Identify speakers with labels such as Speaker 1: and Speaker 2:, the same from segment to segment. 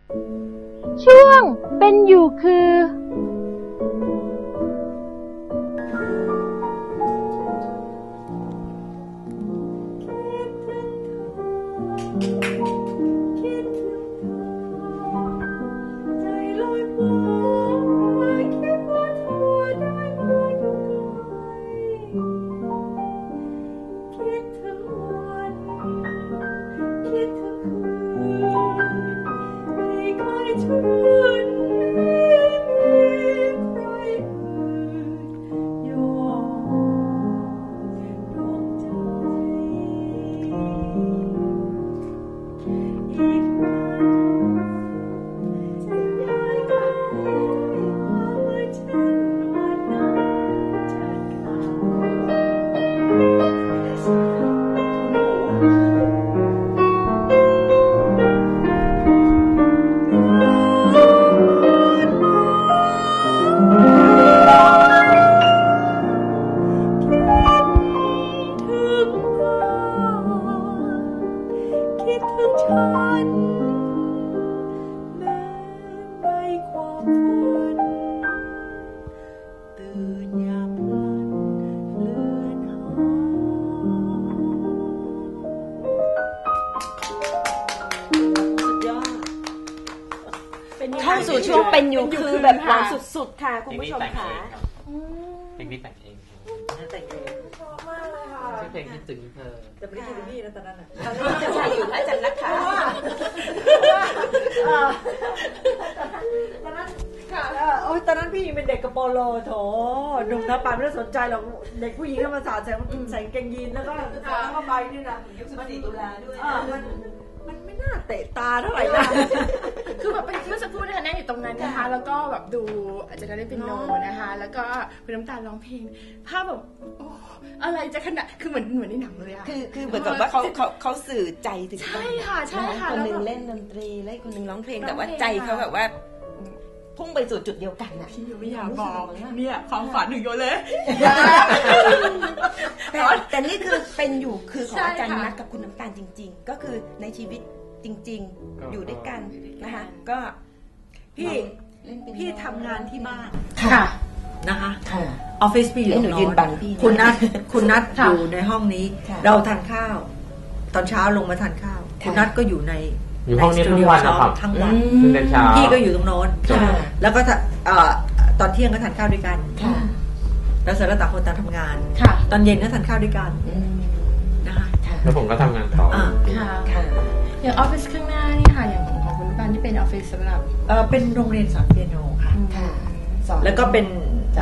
Speaker 1: ช่วงเป็นอยู่คือ
Speaker 2: เข้าสู่ช่วงเป็นอยู่คือแบบหวานสุดๆค่ะคุณผู้ชมค่ะ
Speaker 3: เพลงนี้แต่งเอง
Speaker 2: แต่งเองชอบมากเลยค่ะ
Speaker 3: ชื่อเพลงคิดถึงเธอ
Speaker 2: แต่ไม่ได้คิดถึงพี่นะตอนนั้นตอนนี้จะใช่อยู่พระจันทร์นะคะตอนนั้นค่ะโอ้ยตอนนั้นพี่เป็นเด็กกระโปรงโลโถหนุ่มนะป่าไม่ได้สนใจหรอกเด็กผู้หญิงก็มาสาดใส่กางเกงยีนแล้วก็เข้าไปนี่นะ14 ตุลาด้วยมันไม่น่าเตะตาเท่าไหร่นะ
Speaker 4: คือแบบเป็นเมื่อสักครู่นะคะนั่งอยู่ตรงนั้นนะคะแล้วก็แบบดูอาจารย์เล่นเปียโนนะคะแล้วก็คุณน้ำตาลร้องเพลงภาพแบบโอ้อะไรจะขนาดคือเหมือนในหนังเลยอะ
Speaker 2: คือเหมือนกับว่าเขาสื่อใจถึง
Speaker 4: ใช่ค่ะใช่ค่ะ
Speaker 2: คนนึงเล่นดนตรีและคนนึงร้องเพลงแต่ว่าใจเขาแบบว่าพุ่งไปสู่จุดเดียวกันนะ
Speaker 4: พี่ไม่อยากบอกเนี่ยความฝันถึงโยเลย
Speaker 2: แต่นี่คือเป็นอยู่คือของอาจารย์นักกับคุณน้ำตาลจริงๆก็คือในชีวิตจริงๆอยู่ด้วยกันนะคะก็พี่ทำงานที่บ้าน
Speaker 4: ค่ะ
Speaker 2: นะคะออฟฟิศพี่อยู่ยืนบังพี่คุณนัทอยู่ในห้องนี้เราทานข้าวตอนเช้าลงมาทานข้าวคุณนัทก็อยู่ใน
Speaker 3: ห้องนี้ทั้งวันนะครับ
Speaker 2: ทั้งวัน
Speaker 3: เช้า
Speaker 2: พี่ก็อยู่ตรงโน้นแล้วก็ตอนเที่ยงก็ทานข้าวด้วยกันแล้วเสร็จแล้วต่างคนต่างทำงานตอนเย็นก็ทานข้าวด้วยกันนะคะ
Speaker 3: แล้วผมก็ทำงานต่อ
Speaker 4: อย่างออฟฟิศข้างหน้านี่ค่ะอย่างของคุณบ้านที่เป็นออฟฟิศสำหรับ
Speaker 2: เป็นโรงเรียนสอนเปียโนค่ะแล้วก็เป็น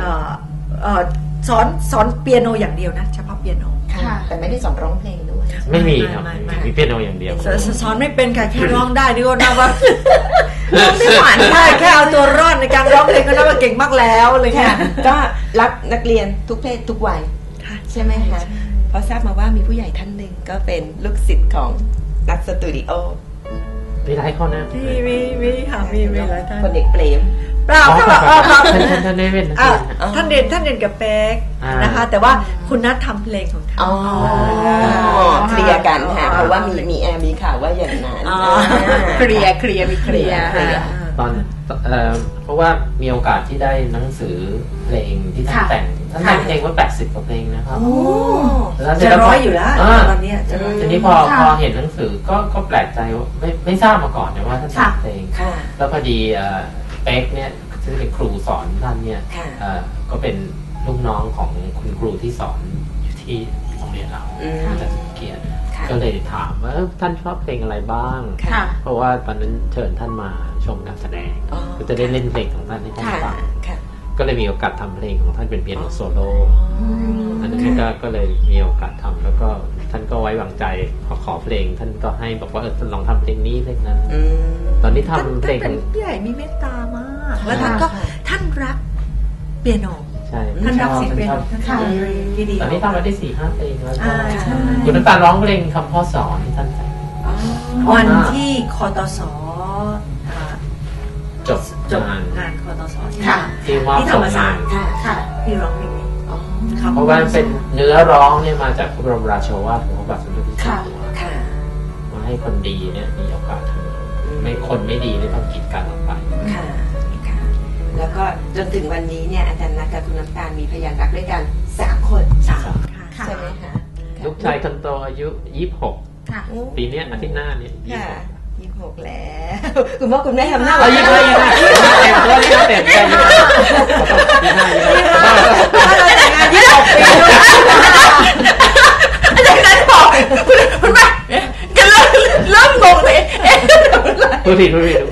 Speaker 2: สอนเปียโนอย่างเดียวนะเฉพาะเปียโนแต่ไม่ได้สอนร้องเพลงด้วย
Speaker 3: ไม่มีครับมีเปียโนอย่างเดียว
Speaker 2: สอนไม่เป็นค่ะแค่ร้องได้นี่ก็นับว่าร้องไม่หวานได้แค่เอาตัวรอดในการร้องเพลงก็นับว่าเก่งมากแล้วเลยค่ะก็รับนักเรียนทุกเพศทุกวัยใช่ไหมคะเพราะทราบมาว่ามีผู้ใหญ่ท่านหนึ่งก็เป็นลูกศิษย์ของนักสตูดิโอ
Speaker 3: มีหลายคนนะ
Speaker 2: มีค่ะมีหลายท่านคนเด็กเปรมเปล่า
Speaker 3: ท่านเด่น
Speaker 2: ท่านเด่นกับเป๊กนะคะแต่ว่าคุณนัททำเพลงของเขาเคลียร์กันค่ะเพราะว่ามีมีข่าวว่าอย่างนั้นเคลียร์มีเคลียร์
Speaker 3: ตอนเพราะว่ามีโอกาสที่ได้หนังสือเพลงที่ท่านแต่งเพลงว่า80 กว่าเพลงนะครับ
Speaker 2: จะร้อยอยู่แล้วตอนนี้
Speaker 3: ทีนี้พอเห็นหนังสือก็แปลกใจว่าไม่ทราบมาก่อนนะว่าท่านแต่งเพลงแล้วพอดีเป๊กเนี่ยซึ่งเป็นครูสอนท่านเนี่ยก็เป็นลูกน้องของคุณครูที่สอนอยู่ที่โรงเรียนเราอาจารย์สุเกียรติก็เลยถามว่าท่านชอบเพลงอะไรบ้างเพราะว่าตอนนั้นเชิญท่านมาชมการแสดงก็จะได้เล่นเพลงของท่านให้ท่านฟังก็เลยมีโอกาสทำเพลงของท่านเป็นเปียโนโซโล่อันนั้นก็เลยมีโอกาสทำแล้วก็ท่านก็ไว้วางใจขอเพลงท่านก็ให้บอกว่าลองทำเพลงนี้เพลงนั้นตอนนี้ทำเพลง
Speaker 2: เป็นผู้ใหญ่มีเมตตามากแล้วท่านรักเปียโน
Speaker 3: ใช่
Speaker 2: ท่านรักเสียงเปียโนท่านดี
Speaker 3: ตอนนี้ทำมาได้ 4-5 เพลงแล้วคุณน้ำตาลร้องเพลงคำพ่อสอนที่ท่านแต่ง
Speaker 2: วันที่คตส
Speaker 3: จบ
Speaker 2: งานคตส
Speaker 3: ที่
Speaker 2: ธรรมศาสตร์ที่ร้องเพลงนี้
Speaker 3: เพราะว่าเป็นเนื้อร้องเนี่ยมาจากพระบรมราโชวาทของพระบาทสมเด็จพระเจ้าอยู่หัวมาให้คนดีเนี่ยมีโอกาสทำไม่คนไม่ดีไม่ต้องกีดกันออกไป
Speaker 2: ค่ะค่ะแล้วก็จนถึงวันนี้เนี่ยอาจารย์นัทกับคุณน้ำตาลมีพยานรักด้วยกัน3 คนใช่ไหมคะ
Speaker 3: ลูกชายคนโตอายุ26ปีนี้อาทิตย์หน้านี้
Speaker 2: 26แล้วคุณพ่อคุณแม่ทำหน้า
Speaker 3: 25เต็มตัวนี่เต็มใจ
Speaker 2: 26 ปี
Speaker 4: อาจารย์นัทบอกคุณแม่กันเริ่มงงเลย
Speaker 3: พูดผิด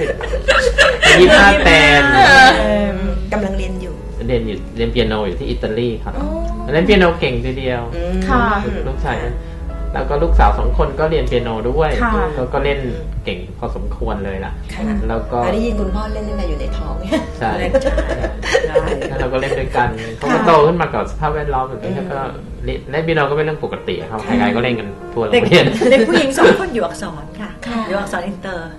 Speaker 3: 25เต็ม
Speaker 2: กำลังเรียน
Speaker 3: เปียโนอยู่ที่อิตาลีครับเล่นเปียโนเก่งทีเดียวลูกชายแล้วก็ลูกสาว2 คนก็เรียนเปียโนด้วยก็เล่นเก่งพอสมควรเลยล่ะแล้วก็
Speaker 2: ได้ยินคุณพ่อเล่นตั้งแต่อยู่ในท้อง
Speaker 3: ใช่แล้วเราก็เล่นด้วยกันเขาก็โตขึ้นมากับสภาพแวดล้อมแบบนี้แล้วก็เล่นเปียโนก็เป็นเรื่องปกติครับใครๆก็เล่นกันทั่วโรงเรียน
Speaker 1: เด็กผู้หญิง2 คนอยู่อักษรค่ะอยู่อักษรอินเตอร์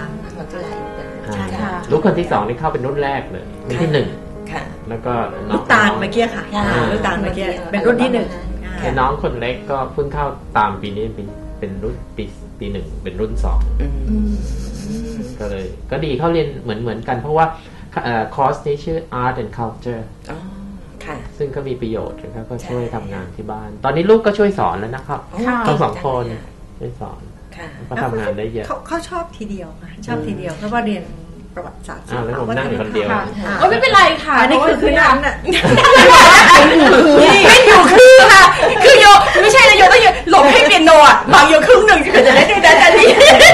Speaker 3: ลูกคนที่2นี่เข้าเป็นรุ่นแรกเลยรุ่นที่1แล้วก็
Speaker 1: ลูกตาลเมื่อกี้ค่ะลูกตาลเมื่อกี้เป็นรุ่นที่1
Speaker 3: ไอ้น้องคนเล็กก็เพิ่งเข้าตามปีนี้เป็นรุ่นปี1เป็นรุ่น2ก็เลยก็ดีเขาเรียนเหมือนกันเพราะว่าคอร์สนี้ชื่อ Art and Culture ซึ่งก็มีประโยชน์นะครับก็ช่วยทำงานที่บ้านตอนนี้ลูกก็ช่วยสอนแล้วนะครับทั้ง2 คนช่วยสอนก็ทำงานได้เยอะ
Speaker 1: เขาชอบทีเดียวชอบทีเดียวเพราะว่าเรียนประวัติศาสตร์
Speaker 3: แล้วผมนั่งอยู่คนเดียว
Speaker 4: ไม่เป็นไรค่ะ
Speaker 1: อันนี้คือนั้นน่ะ
Speaker 4: ไม่อยู่คือค่ะคือโยไม่ใช่นะโยต้องหลบให้เปียโนอ่ะบางโยครึ่งหนึ่งจะได้ด้วยนะนี่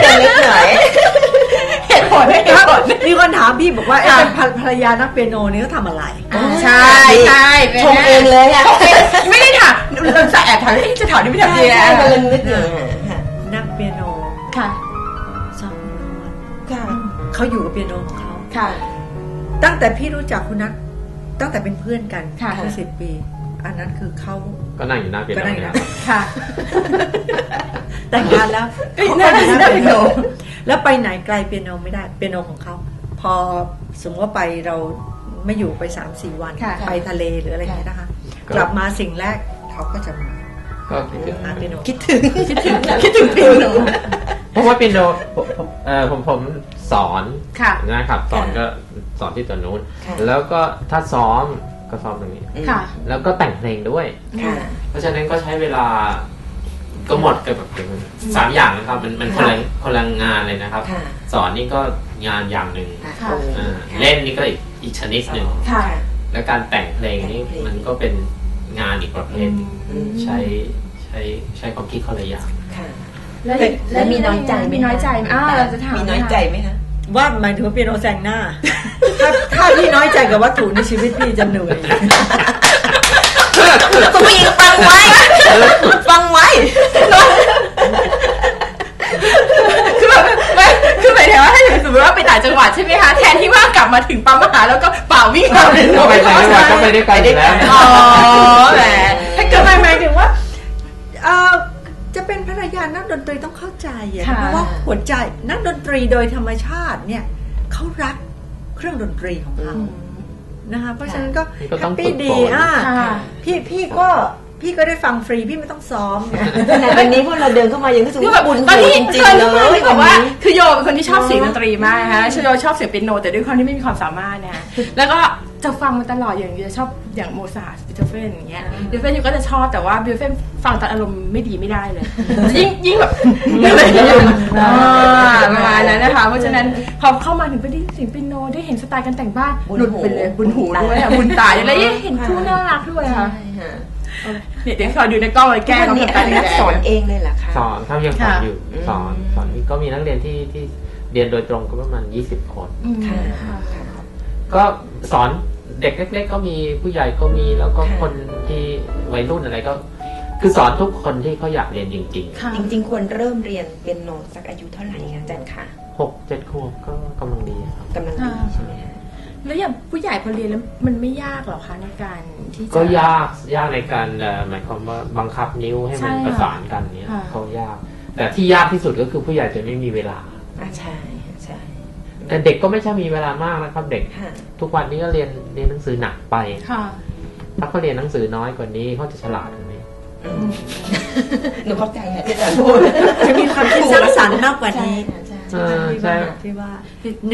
Speaker 4: เหตุผล
Speaker 1: มีคนถามพี่บอกว่าภรรยานักเปียโนนี่เขาทำอะไร
Speaker 4: ใช่
Speaker 2: ชมเองเลยอ่ะ
Speaker 4: ไม่ได้ถามเราจะแอบถามจะถามนี่ไม่ทำดีนะ
Speaker 2: กำลังนึกอยู่
Speaker 1: นักเปียโน
Speaker 4: ค่ะ
Speaker 1: สอนค่ะเขาอยู่กับเปียโนของเขา
Speaker 4: ค่ะ
Speaker 1: ตั้งแต่พี่รู้จักคุณนัทตั้งแต่เป็นเพื่อนกันเมื่อ10 ปีอันนั้นคือเขา
Speaker 3: ก็นั่งอยู่หน้าเปียโน
Speaker 1: ค่ะแต่งงานแล้วนั่งอยู่หน้าเปียโนแล้วไปไหนไกลเปียโนไม่ได้เปียโนของเขาพอสมมติว่าไปเราไม่อยู่ไป 3-4 วันไปทะเลหรืออะไรอย่างเงี้ยนะคะกลับมาสิ่งแรกเขาก็จะมา
Speaker 3: ก็
Speaker 1: เปียโน
Speaker 2: คิดถึง
Speaker 4: เปียโน
Speaker 3: เพราะว่าเปียโนผมสอนนะครับสอนก็สอนที่ตัวนู้นแล้วก็ถ้าซ้อมก็ซ้อมตรงนี้แล้วก็แต่งเพลงด้วยเพราะฉะนั้นก็ใช้เวลาก็หมดกับ3 อย่างนะครับมันคนละงานเลยนะครับสอนนี่ก็งานอย่างหนึ่งเล่นนี่ก็อีกชนิดหนึ่งแล้วการแต่งเพลงนี่มันก็เป็นงานอีกประเภทใช้ความคิดคนละอย่าง
Speaker 2: แล้วมีน้อยใจ
Speaker 4: เราจะถาม
Speaker 2: มีน้อยใจไหมคะ
Speaker 1: ว่าหมายถึงว่าเปียโนแซงหน้าถ้าพี่น้อยใจกับวัตถุในชีวิตพี่จะเหนื่อย
Speaker 2: คุณผู้หญิงฟังไว้
Speaker 4: คือหมายถึงว่าถ้าสมมติว่าไปต่างจังหวัดใช่ไหมคะแทนที่ว่ากลับมาถึงปั๊มมหาแล้วก็เป่าวิ่งเข้าเลย
Speaker 3: ไปต่างจังหวัดก็ไปได้ไกลแล้ว
Speaker 4: แหมถ้าเกิดหมายถึงว่า
Speaker 1: จะเป็นภรรยานักดนตรีต้องเข้าใจเพราะว่าหัวใจนักดนตรีโดยธรรมชาติเนี่ยเขารักเครื่องดนตรีของเขานะคะเพราะฉะนั้นก็แฮปปี้ดีพี่ก็ได้ฟังฟรีพี่ไม่ต้องซ้อม
Speaker 2: วันนี้พวกเราเดินเข้ามายังรู้สึกว่าบุญหูจริงๆเลย
Speaker 4: บอกว่าคือโยเป็นคนที่ชอบเสียงดนตรีมากนะคะโยชอบเสียงเปียโนแต่ด้วยความที่ไม่มีความสามารถนะแล้วก็จะฟังมาตลอดอย่างชอบอย่างโมซาร์ทบีโธเฟนอย่างเงี้ยบีโธเฟนอยู่ก็จะชอบแต่ว่าบีโธเฟนฟังตอนอารมณ์ไม่ดีไม่ได้เลยยิ่งแบบประมาณนั้นนะคะเพราะฉะนั้นพอเข้ามาถึงไปได้เสียงเปียโนได้เห็นสไตล์การแต่งบ้านหลุดไปเลยบุญหูด้วยบุญตาอะไรเห็นคู่น่ารักด้วยค่ะเนี่ยเดี๋ยวขอดูในกล้องเลยแก้
Speaker 2: เขาทำการสอนเองเลยเหรอคะ
Speaker 3: สอนเขายังสอนอยู่สอนก็มีนักเรียนที่เรียนโดยตรงก็ประมาณ20 คนก็สอนเด็กเล็กๆก็มีผู้ใหญ่ก็มีแล้วก็คนที่วัยรุ่นอะไรก็คือสอนทุกคนที่เขาอยากเรียนจริง
Speaker 2: ๆจริงๆควรเริ่มเรียนเปียโนสักอายุเท่าไหร่อาจารย์คะ
Speaker 3: 6-7 ขวบก็กำลังดีครับ
Speaker 2: กำลังดีใช่ไหมคะ
Speaker 4: แล้วอย่างผู้ใหญ่พอเรียนแล้วมันไม่ยากหรอคะในการที่
Speaker 3: ก็ยากในการหมายความว่าบังคับนิ้วให้มันประสานกันเนี่ยเขายากแต่ที่ยากที่สุดก็คือผู้ใหญ่จะไม่มีเวลา
Speaker 2: ใช่
Speaker 3: แต่เด็กก็ไม่ใช่มีเวลามากนะครับเด็กทุกวันนี้ก็เรียนหนังสือหนักไปถ้าเขาเรียนหนังสือน้อยกว่านี้เขาจะฉลาดกว่านี้
Speaker 2: หนูเข้าใจที่อาจารย์พูด
Speaker 1: จะมีความคิดสร้างสรรค์มากกว่านี้ใช่ไหมที่ว่า